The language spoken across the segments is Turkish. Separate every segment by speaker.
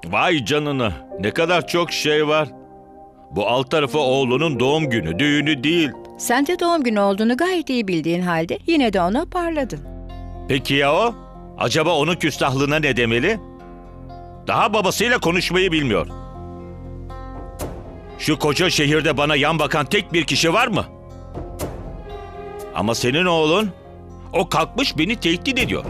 Speaker 1: Vay canına, ne kadar çok şey var. Bu alt tarafı oğlunun doğum günü, düğünü değil.
Speaker 2: Sen de doğum günü olduğunu gayet iyi bildiğin halde yine de ona parladın.
Speaker 1: Peki ya o? Acaba onun küstahlığına ne demeli? Daha babasıyla konuşmayı bilmiyor. Şu koca şehirde bana yan bakan tek bir kişi var mı? Ama senin oğlun, o kalkmış beni tehdit ediyor.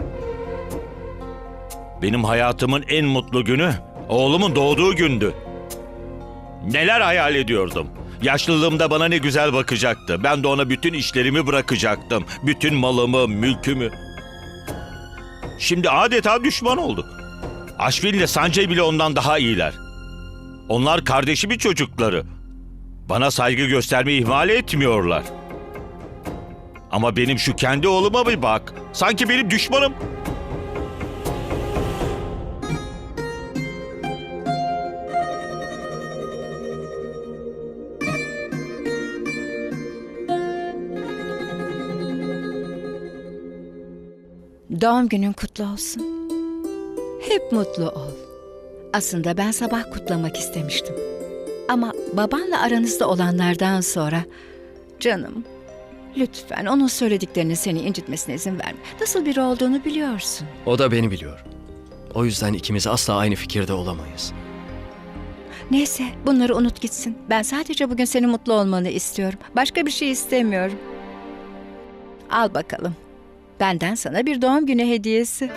Speaker 1: Benim hayatımın en mutlu günü, oğlumun doğduğu gündü. Neler hayal ediyordum. Yaşlılığımda bana ne güzel bakacaktı. Ben de ona bütün işlerimi bırakacaktım. Bütün malımı, mülkümü. Şimdi adeta düşman olduk. Aşvin ile Sancay bile ondan daha iyiler. Onlar kardeşimin çocukları. Bana saygı göstermeyi ihmal etmiyorlar. Ama benim şu kendi oğluma bir bak. Sanki benim düşmanım.
Speaker 2: Doğum günün kutlu olsun. Hep mutlu ol. Aslında ben sabah kutlamak istemiştim. Ama babanla aranızda olanlardan sonra... Canım, lütfen onun söylediklerini seni incitmesine izin verme. Nasıl biri olduğunu biliyorsun.
Speaker 3: O da beni biliyor. O yüzden ikimiz asla aynı fikirde olamayız.
Speaker 2: Neyse, bunları unut gitsin. Ben sadece bugün senin mutlu olmanı istiyorum. Başka bir şey istemiyorum. Al bakalım. Benden sana bir doğum günü hediyesi.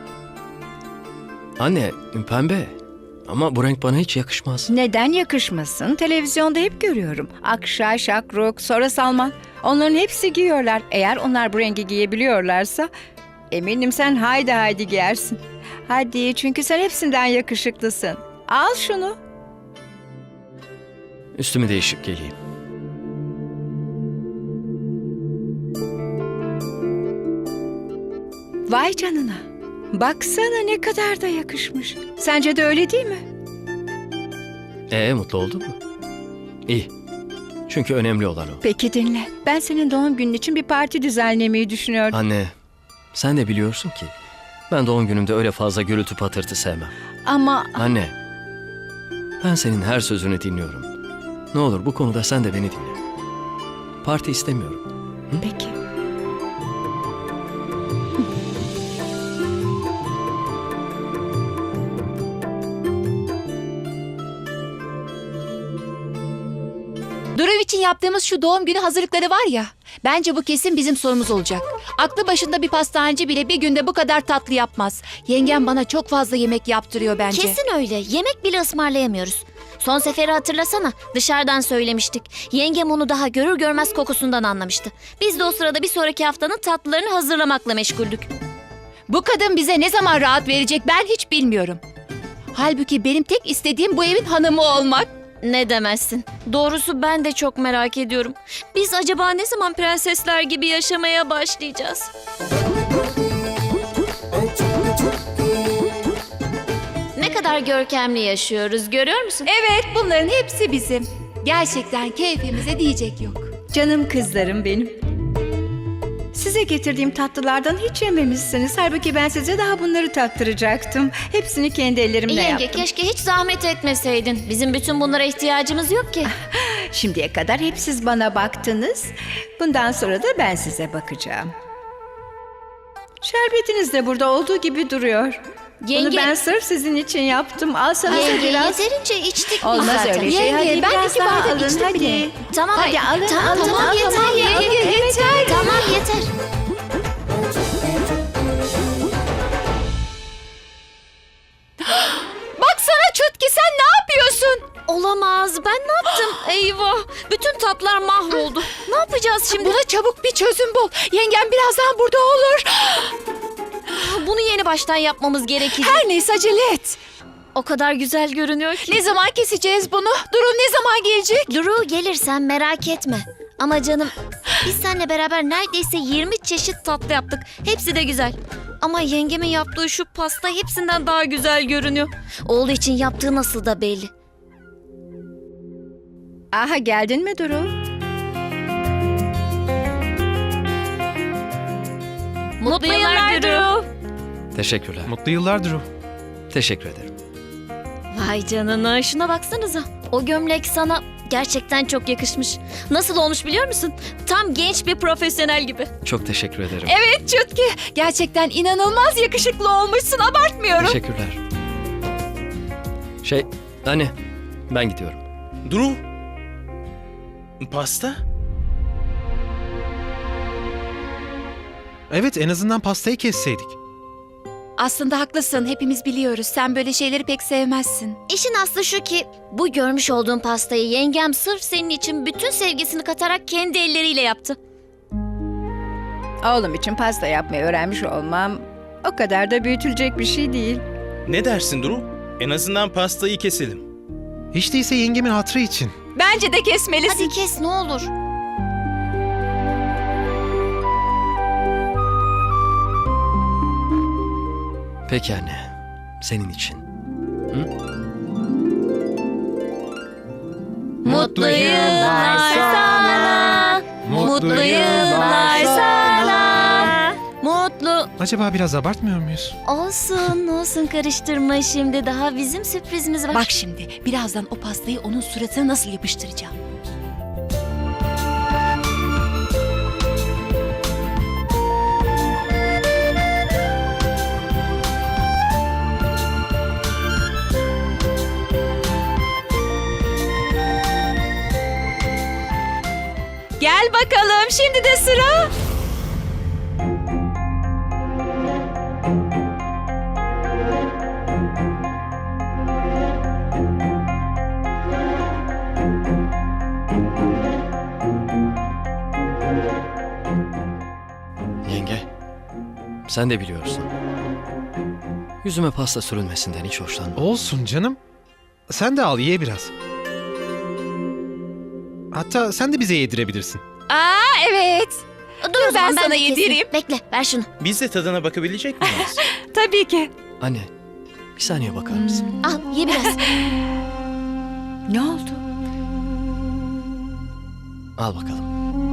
Speaker 3: Anne, pembe. Ama bu renk bana hiç yakışmaz.
Speaker 2: Neden yakışmasın? Televizyonda hep görüyorum. Akşay, Şakruk, sonra Salman. Onların hepsi giyiyorlar. Eğer onlar bu rengi giyebiliyorlarsa eminim sen haydi giyersin. Hadi, çünkü sen hepsinden yakışıklısın. Al şunu.
Speaker 3: Üstümü değişip geleyim.
Speaker 2: Vay canına. Baksana ne kadar da yakışmış. Sence de öyle değil mi?
Speaker 3: Mutlu oldun mu? İyi. Çünkü önemli olan o.
Speaker 2: Peki dinle. Ben senin doğum günün için bir parti düzenlemeyi düşünüyordum.
Speaker 3: Anne, sen de biliyorsun ki ben doğum günümde öyle fazla gürültü patırtı sevmem.
Speaker 2: Ama
Speaker 3: Anne, ben senin her sözünü dinliyorum. Ne olur bu konuda sen de beni dinle. Parti istemiyorum.
Speaker 2: peki.
Speaker 4: Durav için yaptığımız şu doğum günü hazırlıkları var ya, bence bu kesin bizim sorumuz olacak. Aklı başında bir pastaneci bile bir günde bu kadar tatlı yapmaz. Yengem bana çok fazla yemek yaptırıyor bence.
Speaker 5: Kesin öyle. Yemek bile ısmarlayamıyoruz. Son seferi hatırlasana. Dışarıdan söylemiştik. Yengem onu daha görür görmez kokusundan anlamıştı. Biz de o sırada bir sonraki haftanın tatlılarını hazırlamakla meşguldük.
Speaker 4: Bu kadın bize ne zaman rahat verecek ben hiç bilmiyorum. Halbuki benim tek istediğim bu evin hanımı olmak.
Speaker 5: Ne demezsin. Doğrusu ben de çok merak ediyorum. Biz acaba ne zaman prensesler gibi yaşamaya başlayacağız? Ne kadar görkemli yaşıyoruz, görüyor musun?
Speaker 4: Evet, bunların hepsi bizim. Gerçekten keyfimize diyecek yok.
Speaker 2: Canım kızlarım benim. Size getirdiğim tatlılardan hiç yememişsiniz. Halbuki ben size daha bunları tattıracaktım. Hepsini kendi ellerimle
Speaker 5: Yenge,
Speaker 2: yaptım.
Speaker 5: keşke hiç zahmet etmeseydin. Bizim bütün bunlara ihtiyacımız yok ki.
Speaker 2: Şimdiye kadar hep siz bana baktınız. Bundan sonra da ben size bakacağım. Şerbetiniz de burada olduğu gibi duruyor.
Speaker 5: Yenge-
Speaker 2: Bunu ben sırf sizin için yaptım. Alsanıza
Speaker 5: Yenge,
Speaker 2: biraz.
Speaker 5: yeterince içtik biz
Speaker 2: Olmaz
Speaker 5: zaten.
Speaker 2: öyle şey.
Speaker 4: Yenge,
Speaker 2: Hadi
Speaker 4: ben
Speaker 2: biraz
Speaker 4: iki
Speaker 2: daha
Speaker 4: bardak
Speaker 2: alın.
Speaker 4: içtim
Speaker 2: Hadi.
Speaker 4: bile.
Speaker 5: Tamam,
Speaker 2: Hadi alın,
Speaker 5: tamam,
Speaker 2: alın,
Speaker 5: tamam,
Speaker 2: alın.
Speaker 5: yeter,
Speaker 2: Tamam,
Speaker 5: yenge,
Speaker 4: yeter.
Speaker 5: Tamam, yeter.
Speaker 4: Baksana Çutki, sen ne yapıyorsun?
Speaker 5: Olamaz. Ben ne yaptım? Eyvah. Bütün tatlar mahvoldu. Ne yapacağız şimdi?
Speaker 4: Buna çabuk bir çözüm bul. Yengem birazdan burada olur.
Speaker 5: Bunu yeni baştan yapmamız gerekir.
Speaker 4: Her neyse acele et.
Speaker 5: O kadar güzel görünüyor ki.
Speaker 4: Ne zaman keseceğiz bunu? Durum ne zaman gelecek?
Speaker 5: Duru, gelirsen merak etme. Ama canım, biz seninle beraber neredeyse 20 çeşit tatlı yaptık. Hepsi de güzel. Ama yengemin yaptığı şu pasta hepsinden daha güzel görünüyor. Oğlu için yaptığı nasıl da belli.
Speaker 2: Aha, geldin mi Duru?
Speaker 5: Mutlu yıllar Duru.
Speaker 3: Teşekkürler.
Speaker 6: Mutlu yıllar Drew.
Speaker 3: Teşekkür ederim.
Speaker 5: Vay canına, şuna baksanıza. O gömlek sana gerçekten çok yakışmış. Nasıl olmuş biliyor musun? Tam genç bir profesyonel gibi.
Speaker 3: Çok teşekkür ederim.
Speaker 4: Evet Çutki, gerçekten inanılmaz yakışıklı olmuşsun, abartmıyorum.
Speaker 3: Teşekkürler. Anne, ben gidiyorum.
Speaker 6: Duru. Pasta?
Speaker 7: Evet, en azından pastayı kesseydik.
Speaker 4: Aslında haklısın, hepimiz biliyoruz. Sen böyle şeyleri pek sevmezsin.
Speaker 5: İşin aslı şu ki bu görmüş olduğun pastayı yengem sırf senin için bütün sevgisini katarak kendi elleriyle yaptı.
Speaker 2: Oğlum için pasta yapmayı öğrenmiş olmam o kadar da büyütülecek bir şey değil.
Speaker 6: Ne dersin Duru? En azından pastayı keselim.
Speaker 7: Hiç değilse yengemin hatırı için.
Speaker 4: Bence de kesmelisin.
Speaker 5: Hadi kes ne olur.
Speaker 3: Peki anne, senin için.
Speaker 5: Mutlu yıllar sana. Mutlu yıllar sana. Mutlu
Speaker 7: Acaba biraz abartmıyor muyuz?
Speaker 5: olsun karıştırma şimdi. Daha bizim sürprizimiz var.
Speaker 4: Bak şimdi, birazdan o pastayı onun suratına nasıl yapıştıracağım. Gel bakalım, şimdi de sıra.
Speaker 3: Yenge, sen de biliyorsun. Yüzüme pasta sürülmesinden hiç hoşlanmam.
Speaker 7: Olsun canım. Sen de al, ye biraz. Hatta sen de bize yedirebilirsin.
Speaker 4: Aa evet,
Speaker 5: Dur o zaman
Speaker 4: ben sana
Speaker 5: de keseyim.
Speaker 4: yedireyim.
Speaker 5: Bekle ver şunu.
Speaker 6: Biz de tadına bakabilecek miyiz?
Speaker 4: tabii ki.
Speaker 3: Anne, bir saniye bakar mısın?
Speaker 5: Al ye biraz.
Speaker 2: Ne oldu?
Speaker 3: Al bakalım.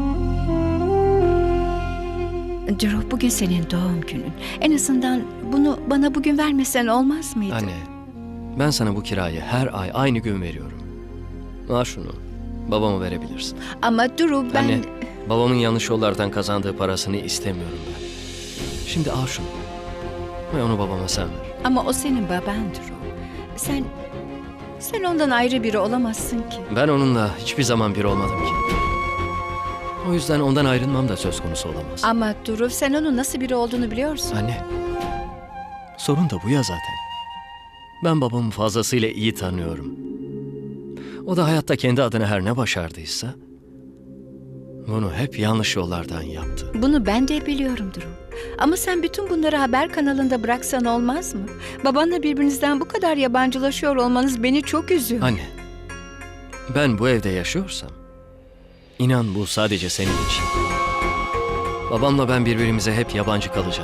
Speaker 2: Drew, bugün senin doğum günün. En azından bunu bana bugün vermesen olmaz mıydı?
Speaker 3: Anne, ben sana bu kirayı her ay aynı gün veriyorum. Al şunu, babama verebilirsin.
Speaker 2: Ama Drew, ben...
Speaker 3: Anne, babamın yanlış yollardan kazandığı parasını istemiyorum ben. Şimdi al şunu ve onu babama sen ver.
Speaker 2: Ama o senin baban Drew. Sen ondan ayrı biri olamazsın ki.
Speaker 3: Ben onunla hiçbir zaman bir olmadım ki. O yüzden ondan ayrılmam da söz konusu olamaz.
Speaker 2: Ama Drew, sen onun nasıl biri olduğunu biliyorsun.
Speaker 3: Anne, sorun da bu ya zaten. Ben babamı fazlasıyla iyi tanıyorum. O da hayatta kendi adına her ne başardıysa bunu hep yanlış yollardan yaptı.
Speaker 2: Bunu ben de biliyorum Drew. Ama sen bütün bunları haber kanalında bıraksan olmaz mı? Babanla birbirinizden bu kadar yabancılaşıyor olmanız beni çok üzüyor.
Speaker 3: Anne, ben bu evde yaşıyorsam inan bu sadece senin için. Babamla ben birbirimize hep yabancı kalacağız.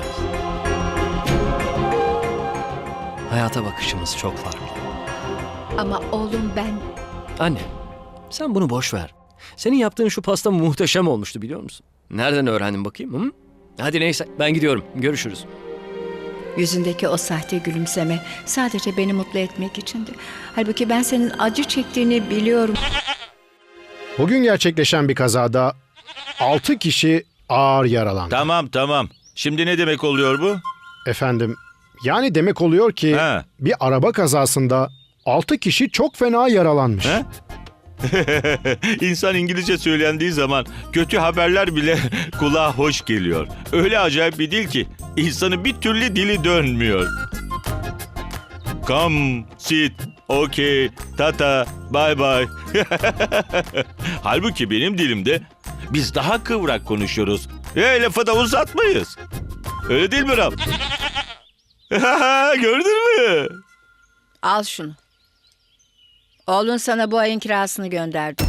Speaker 3: Hayata bakışımız çok farklı.
Speaker 2: Ama oğlum ben...
Speaker 3: Anne, sen bunu boş ver. Senin yaptığın şu pasta muhteşem olmuştu biliyor musun? Nereden öğrendin bakayım? Hı? Hadi neyse ben gidiyorum. Görüşürüz.
Speaker 2: Yüzündeki o sahte gülümseme sadece beni mutlu etmek içindi. Halbuki ben senin acı çektiğini biliyorum.
Speaker 8: Bugün gerçekleşen bir kazada 6 kişi ağır yaralandı.
Speaker 1: Tamam. Şimdi ne demek oluyor bu?
Speaker 8: Efendim, yani demek oluyor ki
Speaker 1: Ha.
Speaker 8: bir araba kazasında 6 kişi çok fena yaralanmış.
Speaker 1: He? İnsan İngilizce söylendiği zaman kötü haberler bile kulağa hoş geliyor. Öyle acayip bir dil ki insanın bir türlü dili dönmüyor. Come, sit, okay, tata, bye bye. Halbuki benim dilimde biz daha kıvrak konuşuyoruz. Lafı da uzatmayız. Öyle değil mi Ram? Gördün mü?
Speaker 2: Al şunu. Oğlun sana bu ayın kirasını gönderdi.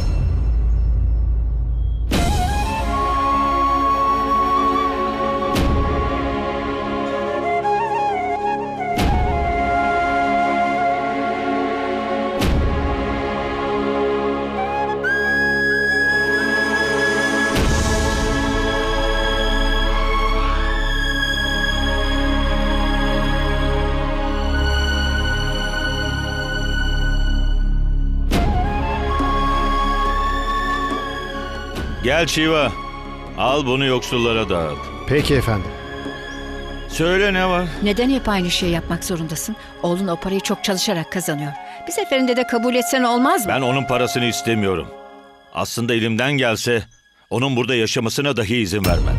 Speaker 1: Gel Shiva. Al bunu yoksullara dağıt.
Speaker 8: Peki efendim.
Speaker 1: Söyle ne var?
Speaker 2: Neden hep aynı şeyi yapmak zorundasın? Oğlun o parayı çok çalışarak kazanıyor. Bir seferinde de kabul etsen olmaz mı?
Speaker 1: Ben onun parasını istemiyorum. Aslında elimden gelse onun burada yaşamasına dahi izin vermem.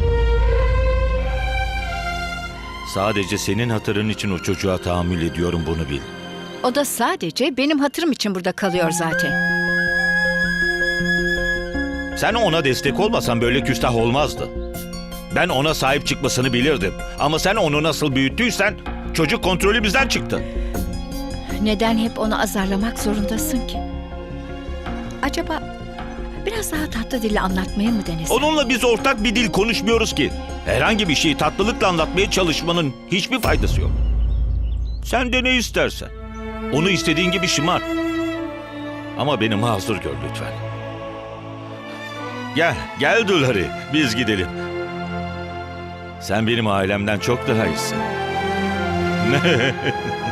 Speaker 1: Sadece senin hatırın için o çocuğa tahammül ediyorum, bunu bil.
Speaker 2: O da sadece benim hatırım için burada kalıyor zaten.
Speaker 1: Sen ona destek olmasan böyle küstah olmazdı. Ben ona sahip çıkmasını bilirdim. Ama sen onu nasıl büyüttüysen çocuk kontrolümüzden çıktı.
Speaker 2: Neden hep onu azarlamak zorundasın ki? Acaba biraz daha tatlı dille anlatmayı mı denesin?
Speaker 1: Onunla biz ortak bir dil konuşmuyoruz ki. Herhangi bir şeyi tatlılıkla anlatmaya çalışmanın hiçbir faydası yok. Sen de ne istersen. Onu istediğin gibi şımar. Ama beni mazur gör lütfen. Gel Dulari, biz gidelim. Sen benim ailemden çok daha iyisin.